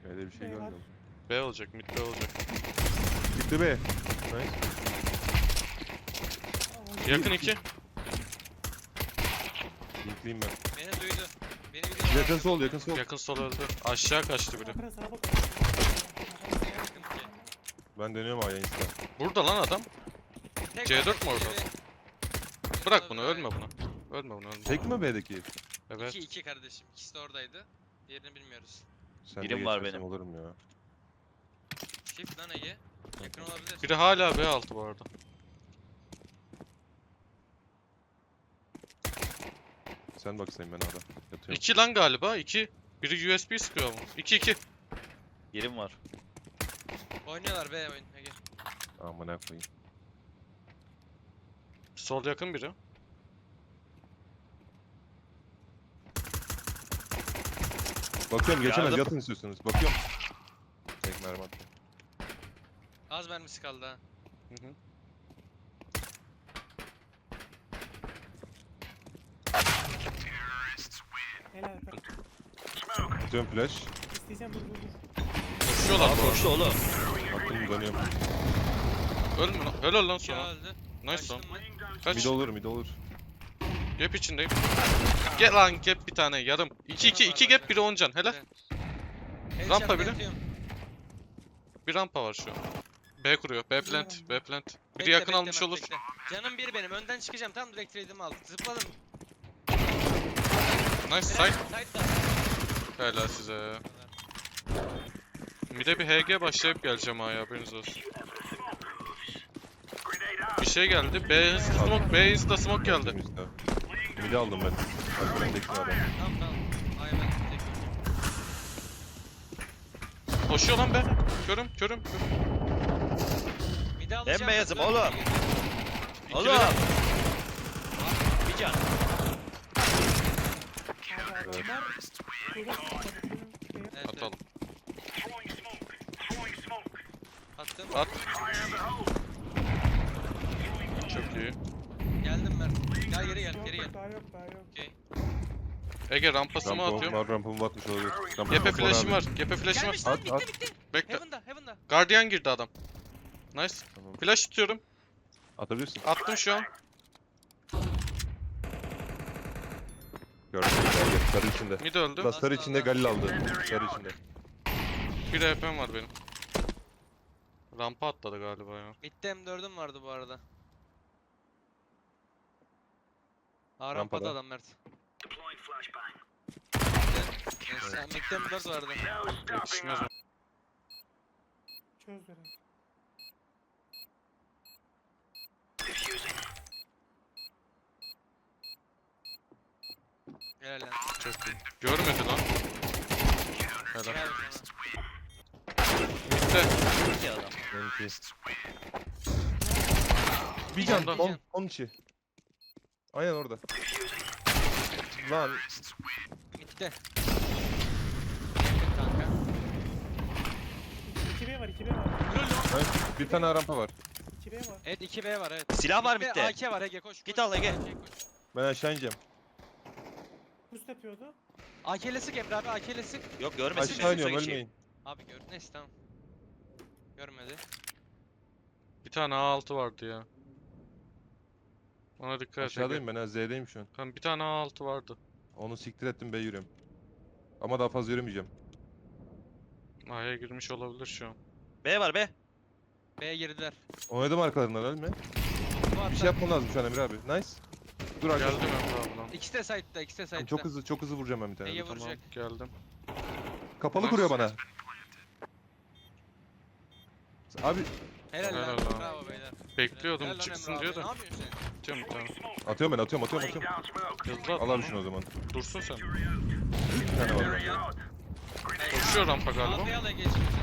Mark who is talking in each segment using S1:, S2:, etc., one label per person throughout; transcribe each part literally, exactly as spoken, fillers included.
S1: Öyle bir şey
S2: B var.
S1: görmüyorum.
S3: B olacak, mid B olacak.
S1: Gitti be. Nice.
S2: Aa,
S3: Yakın iki.
S1: Linkleyim ben.
S4: Beni duydu. Beni biliyor.
S1: Yakın sol, yakın sol.
S3: Yakın sol öldü. Aşağı kaçtı biri.
S2: Ankara sağa bak.
S4: Yakın ki.
S1: Ben dönüyorum A'ya insta.
S3: Burada lan adam.
S4: Tek
S3: C
S4: var,
S3: dört mü orada?
S4: biri-
S3: Bırak bunu,
S4: Orada
S3: ölme buna. Ölme bunu, ölme.
S1: Tek mi B'deki?
S3: Evet.
S4: İki, iki kardeşim. İkisi de oradaydı. Diğerini bilmiyoruz.
S1: Sen
S5: Birim
S1: de
S5: var
S1: geçersem
S5: benim.
S1: Olurum ya.
S4: Shift lan Ege. Yakın olabilir.
S3: Biri hala B altı bu arada.
S1: Sen baksayım ben A'da. Yatıyorum.
S3: İki lan galiba, iki. Biri U S B sıkıyor mu? İki iki.
S5: Yerim var.
S4: Oynuyorlar be oyun Ege.
S1: Amına koyayım.
S3: Sol yakın biri.
S1: Bakıyorum geçemez.
S5: Yardım.
S1: Yatın istiyorsunuz. Bakıyorum. Tek mermi attı.
S4: Az mermisi kaldı ha.
S3: Hı hı.
S2: Helal Alper.
S1: Atıyorum flash.
S2: İsteyeceğim dur dur dur.
S3: Koşuyorlar bu arada.
S5: Koştu oğlum.
S1: Attım dönüyorum.
S3: Ölme lan. Helal lan
S4: İki
S3: sana.
S4: öldü.
S1: Mid
S3: Nice lan.
S4: Kaçtım ben.
S3: Kaç.
S1: olur mid olur.
S3: Gap içindeyim. Gel lan gap bir tane yarım. iki iki iki gap biri on can. Helal.
S4: Headshot'la
S3: Rampa biri.
S4: yatıyorum.
S3: Bir rampa var şu an. B kuruyor. B plant. B plant. Biri
S4: Bekle,
S3: yakın
S4: bekle,
S3: almış
S4: Mert,
S3: olur.
S4: bekle. Canım biri benim. Önden çıkacağım. Tam direkt trade'imi aldım. Zıpladım.
S3: Nice side.
S4: Side'da.
S3: Helal size. Bir de bir H G başlayıp geleceğim ha ya, haberiniz olsun. Bir şey geldi. B hızlı smoke. B hızlı smoke geldi.
S1: Attım insta. Mid'i aldım ben. Alperen'deki var. ya.
S4: Tamam tamam. Ay ben tek öldüm.
S3: Koşuyor lan be. Körüm körüm. körüm.
S4: Bir de alacağım.
S5: Ben beyazım
S4: dur,
S5: oğlum.
S4: Ege.
S3: İkili
S5: Oğlum.
S3: de-
S5: Bir can.
S2: Abi adamlar burada sıkmadı. Benim şeye-
S4: Evet,
S3: Atalım.
S4: evet. Attım.
S3: At. Çok iyi.
S4: Geldim Mert. Gel geri gel.
S2: Yok,
S4: Geri
S2: yok,
S4: gel.
S2: Daha yok daha yok.
S4: Okey.
S3: Ege rampası mı
S1: Rampam
S3: atıyorum?
S1: var, rampamı batmış olabilir. Rampam
S3: Gepe
S1: var
S3: flash'im
S1: abi.
S3: var. Gepe flash'im var.
S4: Gelmiş lan.
S1: At,
S4: Bitti
S1: at.
S4: bitti.
S3: Bekle.
S4: Heaven'da. Heaven'da.
S3: Guardian girdi adam. Nice.
S1: Tamam.
S3: Flash tutuyorum.
S1: Atabilirsin.
S3: Attım şu an.
S1: Gördüm. Gel, sarı içinde.
S3: Mid öldü.
S1: Da sarı içinde Galil aldı. Sarı içinde.
S3: Bir H P'm var benim. Rampa atladı galiba ya.
S4: Mid'de M dördüm vardı bu arada. Aa
S1: Rampada.
S4: rampada adam Mert. Neyse mid'de M dört vardı.
S3: Yetişmez mi?
S2: Çöz beni.
S4: Helal lan.
S3: Çok iyi. Görmedi lan. Helal.
S4: Helal sana.
S3: Mid'de.
S5: İki adam.
S1: Benimki. Bir can.
S3: Ondan.
S1: On, on içi. Aynen orada. Lan.
S4: Mid'de. Yakın kanka.
S2: iki B var iki B var.
S1: Ay, bir tane rampa var.
S2: iki B var.
S4: Evet iki B var evet.
S5: Silah var
S4: Mid'de
S5: midde.
S4: A K var Ege koş.
S5: Git
S4: koş,
S5: al Ege.
S4: A K koş.
S1: Ben aşağı ineceğim.
S2: Boost yapıyordu.
S4: A K'le sık Emre abi A K'le sık.
S5: Yok görmesin.
S1: Aşağı
S5: ben
S1: iniyorum
S5: suya geçeyim.
S1: ölmeyin.
S4: Abi gör. Neyse tamam. Görmedi.
S3: Bir tane A altı vardı ya. Ona dikkat et.
S1: Aşağıdayım ben ha Z'deyim şu an.
S3: Ben bir tane A altı vardı.
S1: Onu siktir ettim B yürüyorum. Ama daha fazla yürümeyeceğim.
S3: A'ya girmiş olabilir şu an.
S5: B var B.
S4: B'ye girdiler.
S1: Oynadım arkalarından ölme.
S4: Bu hatta
S1: Bir şey yapmam lazım şu an Emre abi. Nice. Dur
S3: Geldim
S1: arkadaşlar.
S3: Emre ablam.
S4: ikisi de side'da ikisi de side'da.
S1: Çok hızlı çok hızlı vuracağım ben bir tane.
S4: Ege
S1: Dur.
S4: vuracak.
S3: Geldim.
S1: Kapalı kuruyor bana.
S4: Helal
S1: Abi
S3: Helal
S4: lan.
S3: lan.
S4: Bravo beyler.
S3: Bekliyordum
S4: Helal lan
S3: çıksın
S4: Emre
S3: diye
S4: abi.
S3: de.
S4: Ne yapıyorsun sen?
S3: Atıyorum bir tane.
S1: atıyorum ben atıyorum atıyorum atıyorum.
S3: Hızlı at.
S1: Al abi şunu o zaman.
S3: Dursun sen.
S1: Bir tane var bende.
S3: Koşuyor rampa galiba.
S4: Arkaya al Ege istiyorsan.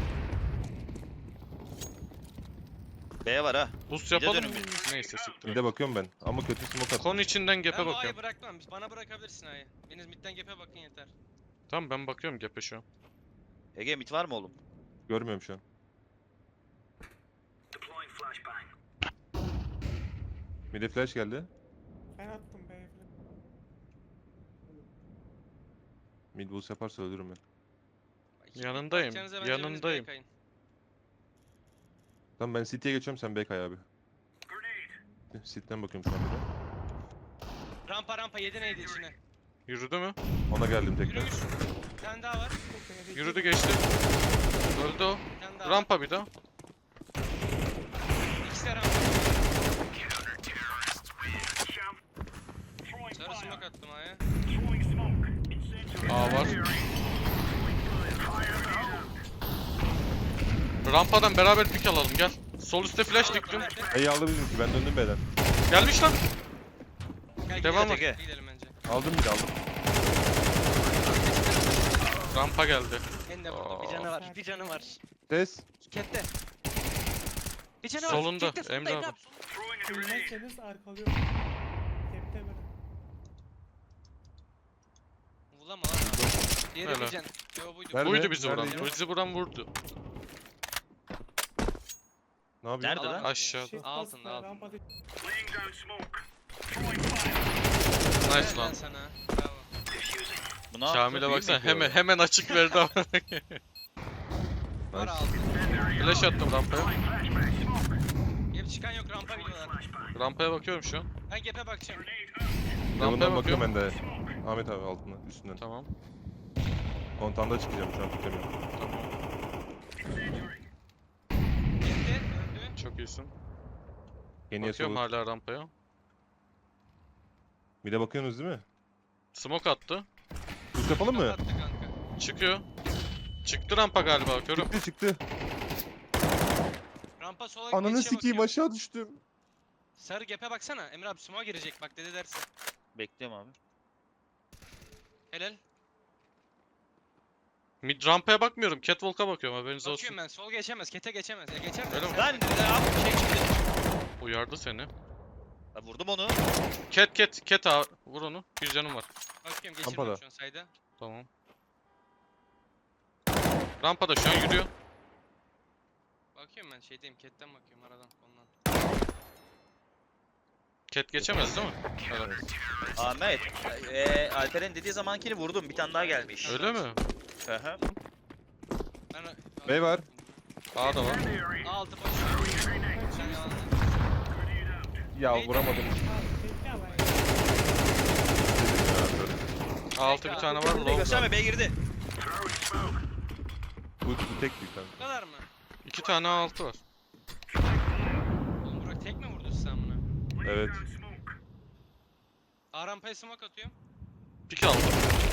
S5: B var ha.
S3: Boost
S5: Bir de
S3: yapalım mı?
S5: dönün
S3: Neyse siktir.
S1: Bir de bakıyorum ben. Ama kötü smoke attım.
S3: Kon içinden
S4: Ben
S3: gap'e
S4: bu A'yı
S3: bakıyorum.
S4: bırakmam. Bana bırakabilirsin A'yı. Biriniz midden gap'e bakın yeter.
S3: Tamam ben bakıyorum gap'e şu an.
S5: Ege mit var mı oğlum?
S1: Görmüyorum şu an. Mide flash geldi.
S2: Ben attım B'ye falan.
S1: Mid boost yaparsa ölürüm ben.
S3: Yanındayım.
S4: Bakacağınıza bence biriniz
S3: Yanındayım.
S4: B'ye kayın.
S1: Tamam ben City'ye geçiyorum, sen B kay abi. City'den bakıyorum şu an bir de.
S4: Rampa rampa yedi neydi içine?
S3: Yürüdü mü?
S1: Ona geldim tekrar.
S4: Yürümüş. Bir tane daha var.
S3: Yürüdü geçti. Öldü o.
S4: Bir tane daha var.
S3: Rampa bir daha.
S4: İkisi de rampa. Sarı smoke attım A'ya.
S3: A var. Rampadan beraber pik alalım gel. Sol üstte flash diktim.
S1: B'yi aldı bizimki, ben döndüm B'den.
S3: Gelmiş lan.
S4: Gel
S3: Devam
S4: gidelim,
S5: et.
S4: gidelim bence.
S1: Aldım bir de aldım.
S3: Rampa geldi.
S4: En de burada bir canı var. Bir canı var.
S1: Ses.
S4: Kette. Bir canı var.
S3: Solunda,
S4: Kette, solunda,
S3: Emre abi.
S4: Emre solunda.
S2: Ölmezseniz arkalıyorum. Tepte böyle.
S4: Vurama lan. Diğeri
S3: Helal.
S4: bir can. Yo buydu.
S1: Nerede?
S3: Buydu bizi vuran.
S1: Neredeydi?
S3: Bizi vuran vurdu.
S1: Ne yapıyorsun?
S5: Nerede lan?
S3: Aşağıda.
S2: Shift
S4: Altın,
S2: bastı,
S4: altın.
S2: rampada-
S3: Nice lan.
S4: Ben sana. Bravo.
S5: Bu ne yaptı?
S3: Kamil'e
S5: Büyü mü
S3: baksana
S5: yapıyor?
S3: hemen hemen açık verdi ama.
S4: Var
S1: Nice.
S4: altın.
S3: Flash attım rampaya.
S4: Gap çıkan yok rampa biliyorlar.
S3: Rampaya bakıyorum şu an.
S4: Ben gap'e bakacağım.
S3: Rampaya
S1: Yanından bakıyorum
S3: bakıyorum.
S1: ben de. Ahmet abi altına, üstünden.
S3: Tamam.
S1: Kontanda çıkacağım şu an, tutamiyorum.
S3: Tamam.
S4: Kette öldü.
S3: Çok iyisin.
S1: Yeniye
S3: Bakıyorum
S1: solu.
S3: hala rampaya.
S1: Bir de bakıyorsunuz değil mi?
S3: Smoke attı.
S1: Push yapalım mı?
S4: Attı kanka.
S3: Çıkıyor. Çıktı rampa galiba bakıyorum.
S1: Çıktı çıktı.
S4: Rampa sola
S1: Ananı
S4: geçişe
S1: sikeyim,
S4: bakıyor.
S1: aşağı düştüm.
S4: Sarı gap'e baksana. Emre abi smoke'a girecek bak dedi dersin.
S5: Bekliyorum abi.
S4: Helal.
S3: Mid rampaya bakmıyorum. Catwalk'a bakıyorum haberiniz olsun.
S4: Bakıyorum ben. Sol geçemez. Kete geçemez. Ya geçer mi?
S3: Öyle mi?
S5: Lan abi şey çıktı.
S3: Uyardı seni.
S5: Ha, vurdum onu.
S3: Cat cat cat abi. Vur onu. Bir canım var.
S4: Bakıyorum
S1: Rampada.
S4: geçirmiyorum şu an sayda.
S3: Tamam. Rampada şu an yürüyor.
S4: Bakıyorum ben şeydeyim. Cat'ten bakıyorum aradan ondan.
S3: Cat geçemez değil mi? Evet.
S5: Ahmet. Eee Alperen dediği zamankini vurdum. Bir tane daha gelmiş.
S3: Öyle mi?
S5: Hı hı.
S4: Ben
S1: Bey var.
S3: A da var.
S4: A altı boş. Sen yalan.
S1: Ya
S4: Neydi?
S1: vuramadım.
S2: Abi, tekli ama.
S3: A altı bir tane var.
S5: Bir de
S3: Low
S5: gösterme
S3: var.
S5: B girdi.
S1: Bu, bu tek bir tane.
S4: Bu kadar mı?
S3: İki tane A altı var.
S4: Oğlum Burak tek mi vurdu sen bunu?
S1: Evet.
S4: A rampaya smoke atıyorum.
S3: Pik aldım.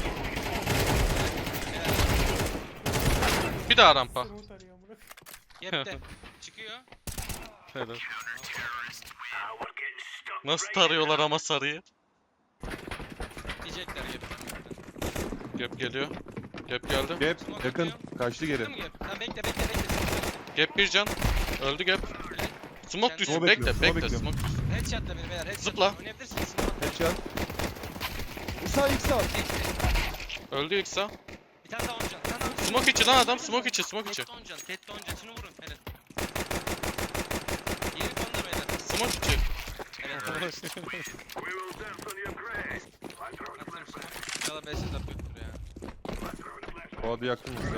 S3: Bir daha rampa.
S2: Smooth arıyor amına.
S4: Gap'te. Çıkıyor.
S3: Helal. Nasıl tarıyorlar ama sarıyı?
S4: Diyecekler gap'ten.
S3: Gap geliyor. Gap geldi.
S1: Gap yakın. Kaçtı geri.
S4: Çıktı mı gap? Lan bekle bekle bekle.
S3: Gap bir can. Öldü gap. Smoke düşsün.
S1: Smoke
S3: Bekle
S1: bekliyorum,
S3: bekle.
S1: smoke
S3: Smoke düşsün.
S4: Headshot'la beni beyler. Headshot'la.
S3: Zıpla.
S4: Oynayabilirsiniz. Smoke.
S1: Headshot. Sağ ilk sağ.
S3: Öldü yoksa.
S4: Bir tane daha on can. Bir tane daha.
S3: Smoke içi lan adam. Smoke içi. Smoke içi.
S4: Tette on can. Tette on can. Şunu vurun. Helal. Diğeri konuda beyler.
S3: Smoke içi.
S4: Helal. Attım smoke. İnşallah beş setup yoktur ya.
S1: O adı yaktın mı sen?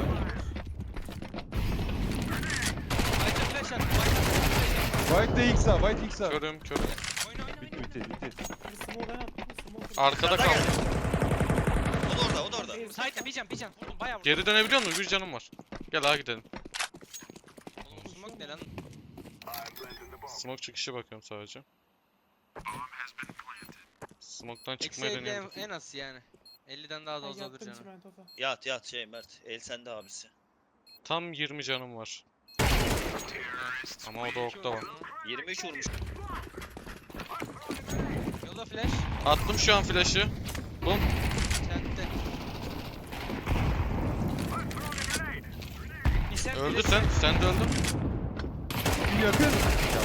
S4: White'a flash attım. White'a flash attım.
S1: White de ilk sağ. White ilk sağ.
S3: Körüm körüm.
S4: Oyna oyna
S1: Bitti
S4: oyna.
S1: bitti bitti.
S2: Bir smoke ben attım. Smoke.
S3: Arkada
S5: Nerede
S3: kaldı.
S5: O da orada, o da orada.
S4: Side'da bir can bir can. Vurdum bayağı vurdum.
S3: Geri dönebiliyor musun? Bir canım var. Gel ağa gidelim.
S4: Oğlum smoke ne lan?
S3: Smoke çıkışı bakıyorum sadece. Smoke'tan
S4: Eksi
S3: çıkmayı
S4: elli en,
S3: deniyorum.
S4: en az yani. elliden daha da
S2: Ay,
S4: az olur
S2: yattım
S4: canım.
S2: çimentoda.
S5: Yat yat şey Mert. El sende abisi.
S3: Tam yirmi canım var. Ama o da okta var.
S5: yirmi üç vurmuş.
S4: Yola flash.
S3: Attım şu an flash'ı. Bum.
S4: Sende. Bir sen
S3: Öldü
S4: flash.
S3: sen. Sen de öldün.
S1: Bir yakın.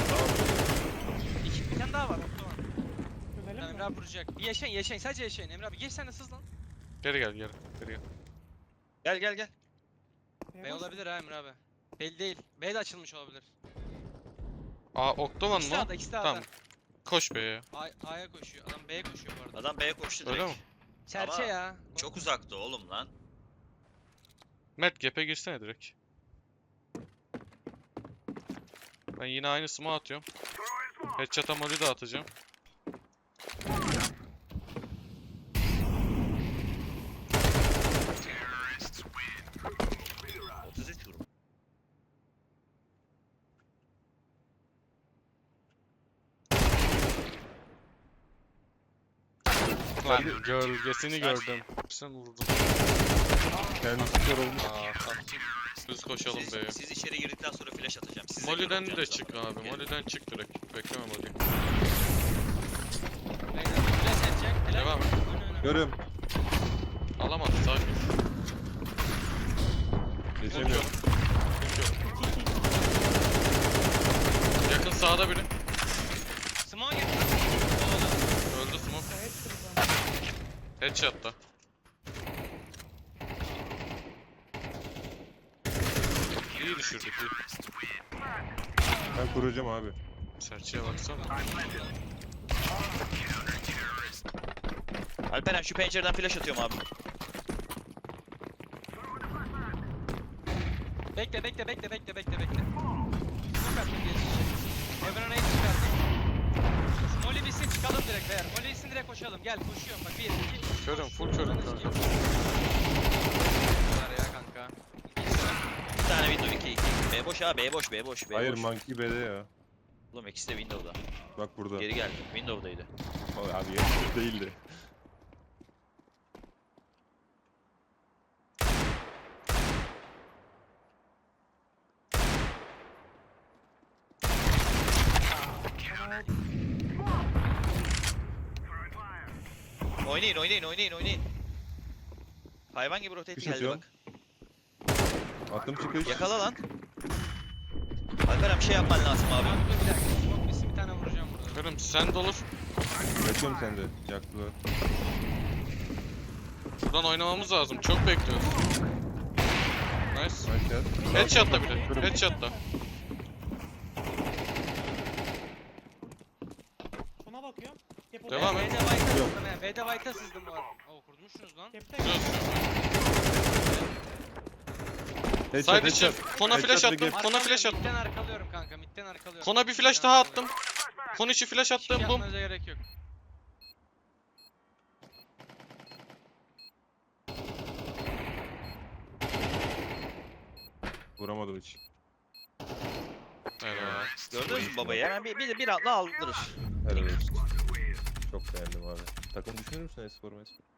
S4: İki, bir tane daha var. Okta var.
S2: Dönelim
S4: Tamam,
S2: mi?
S4: Emre abi vuracak. Bir yaşayın yaşayın. Sadece yaşayın. Emre abi geç sen de sız lan.
S3: Geri gel geri. Geri gel.
S5: Gel gel gel.
S2: B
S4: B
S2: boş.
S4: olabilir ha Emre abi. Belli değil. B de açılmış olabilir.
S3: Aa Oktovan
S4: İkisi de
S3: mı?
S4: A'da, ikisi de
S3: Tamam.
S4: A'da.
S3: Koş be ya.
S4: A- A'ya koşuyor. Adam B'ye koşuyor bu arada.
S5: Adam B'ye koştu direkt.
S3: Öyle mi?
S4: Serçe
S5: Ama
S4: ya.
S5: Çok uzaktı oğlum lan.
S3: Mert gap'e girsene direkt. Ben yine aynı smoke atıyorum. Headshot'a molly de atacağım.
S5: otuz üç vurdum.
S3: Lan gölgesini gördüm. Sen vurdun.
S1: Kendisi kör olmuş.
S3: Aa, tamam. Biz koşalım
S5: Siz,
S3: be.
S5: siz içeri girdikten sonra flash atacağım. Siz
S3: Molly'den
S5: yakın
S3: de
S5: olacağınız
S3: çık
S5: zaman.
S3: abi.
S5: Gelin.
S3: Molly'den çık direkt. Bekleme Molly.
S4: Beyler, flash edecek. Helal.
S3: Devam et.
S4: Önü, önü.
S1: Görüm.
S3: Alamadı sakin.
S1: Geçemiyorum.
S3: Geçiyorum. Yakın sağda biri.
S4: Smoke gel.
S3: Öldü smoke.
S2: Hepsi burada.
S3: Headshot'ta. İyi düşürdük iyi.
S1: Ben kuracağım abi.
S3: Serçeye baksana.
S5: Alperen şu pencereden flash atıyorum abi.
S4: Bekle bekle bekle bekle bekle bekle. Smoke attım geçecek. Evren'e hiç çıkarttım. Molly bitsin çıkalım direkt beyler. Molly bitsin direkt koşalım. Gel koşuyorum bak. Bir, iki.
S3: Körüm full körüm kanka.
S4: Var ya kanka. İki sıra.
S5: Bir tane window iki iki. B boş ha B boş B boş B
S1: Hayır
S5: boş.
S1: monkey B'de ya.
S5: Oğlum ikisi de window'da.
S1: Bak burada.
S5: Geri geldi. Window'daydı.
S1: Abi abi yanlış değildi.
S5: Oynayın oynayın oynayın oynayın. Hayvan gibi rotate
S1: Kış
S5: geldi
S1: atıyorum.
S5: bak.
S1: Attım çıkış.
S5: Yakala lan. Alperen bir şey yapman lazım abi.
S4: Abi dur bir dakika. Smoke bitsin bir tane vuracağım burada.
S3: Körüm sen de olur.
S1: Kaçıyorum sende. Yaktılar.
S3: Buradan oynamamız lazım. Çok bekliyoruz. Nice.
S1: Nice shot.
S3: Headshot'ta biri.
S1: Körüm.
S3: Headshot'ta.
S2: Sona bakıyorum. Depoda.
S3: Devam et.
S4: B'de White'a
S1: Yok.
S4: sızdım he. B'de White'a sızdım bu arada. Oo kurmuşsunuz lan.
S2: Cepte.
S3: Güzel.
S1: Headshot
S3: Side için.
S1: headshot.
S3: Kona flash
S1: Headshot
S3: attım.
S1: ve
S3: Kona flash attım.
S4: Midden arkalıyorum kanka. Midden arkalıyorum.
S3: Kona bir flash
S4: Midden
S3: daha
S4: arkalıyorum.
S3: attım. Kon içi flash
S4: Hiçbir şey
S3: attım. Bum.
S4: yapmanıza gerek yok.
S1: Vuramadım hiç.
S3: Helal.
S5: Gördünüz mü babayı? Hemen bir, bir, bir atla aldırır.
S1: Helal olsun. Çok beğendim abi. Takım düşünür müsün Espor'u Espor?